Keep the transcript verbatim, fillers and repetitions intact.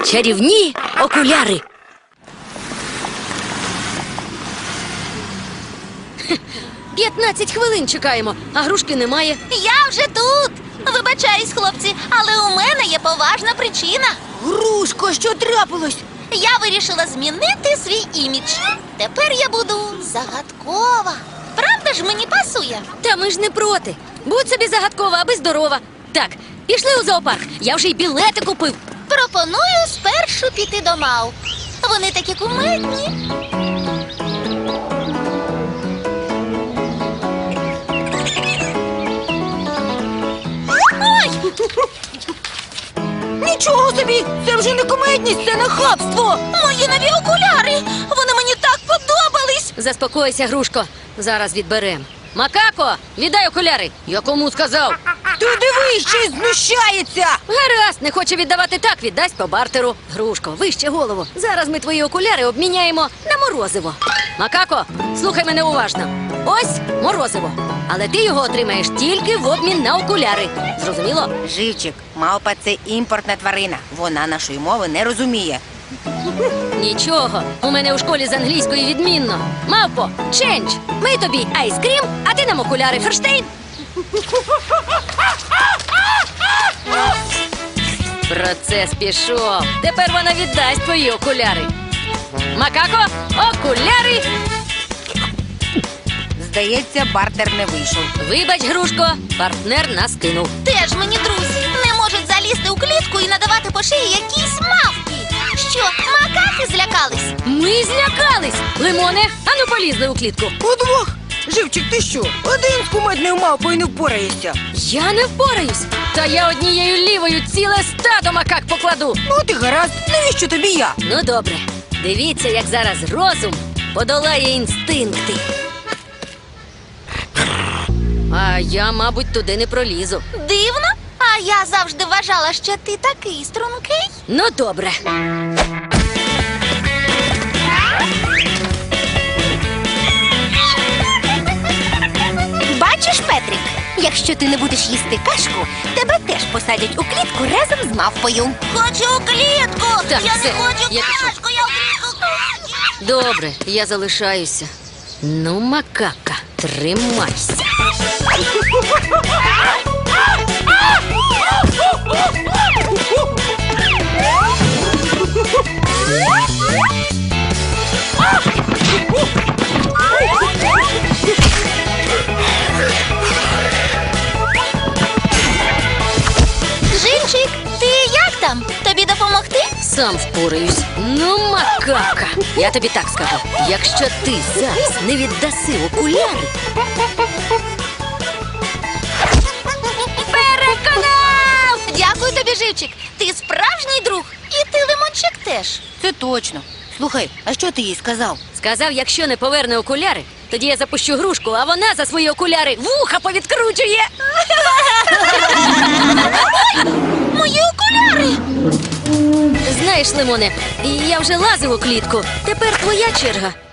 Чарівні окуляри. П'ятнадцять хвилин чекаємо, а грушки немає. Я вже тут. Вибачаюсь, хлопці, але у мене є поважна причина. Грушко, що трапилось? Я вирішила змінити свій імідж. Тепер я буду загадкова. Правда ж мені пасує? Та ми ж не проти. Будь собі загадкова, аби здорова. Так, пішли у зоопарк. Я вже й білети купив. Пропоную спершу піти до мавп. Вони такі кумедні. Ой! Нічого собі! Це вже не кумедність, це нахабство! Мої нові окуляри! Вони мені так подобались! Заспокойся, грушко. Зараз відберем. Макако, віддай окуляри. Я кому сказав? Ти дивись, ще й знущається! Гаразд, не хоче віддавати так, віддасть по бартеру. Грушко, вище голову. Зараз ми твої окуляри обміняємо на морозиво. Макако, слухай мене уважно. Ось морозиво. Але ти його отримаєш тільки в обмін на окуляри. Зрозуміло? Живчик, мавпа – це імпортна тварина. Вона нашої мови не розуміє. Нічого, у мене у школі з англійської відмінно. Мавпо, чендж. Ми тобі айскрім, а ти нам окуляри. Ферштейн. Процес пішов. Тепер вона віддасть твої окуляри. Макако, окуляри. Здається, бартер не вийшов. Вибач, грушко, партнер нас кинув. Теж мені друзі не можуть залізти у клітку і надавати по шиї якісь мавки. Що, макаки злякались? Ми злякались. Лимоне, ану полізли у клітку. Удвох! Живчик, ти що? Один з кумедною мавпою не впораєшся. Я не впораюсь. Та я однією лівою ціле стадо макак покладу. Ну ти гаразд, навіщо тобі я? Ну добре, дивіться, як зараз розум подолає інстинкти. А я, мабуть, туди не пролізу. Дивно? А я завжди вважала, що ти такий стрункий. Ну добре. Бачиш, Петрик, якщо ти не будеш їсти кашку, тебе теж посадять у клітку разом з мавпою. Хочу у клітку! Так, я все, не хочу я пішов. кашку, я у клітку хочу! Добре, я залишаюся. Ну, макака, тримайся. Живчик, ти як там? Тобі допомогти? Сам впораюсь. Ну, макака. Я тобі так скажу. Якщо ти зараз не віддаси окуляри... Переконав! Дякую тобі, Живчик. Ти справжній друг. І ти, Лимончик, теж. Це точно. Слухай, а що ти їй сказав? Сказав, якщо не поверне окуляри, тоді я запущу грушку, а вона за свої окуляри вуха повідкручує. Мої окуляри! Знаєш, Лимоне, я вже лазив у клітку. Тепер твоя черга.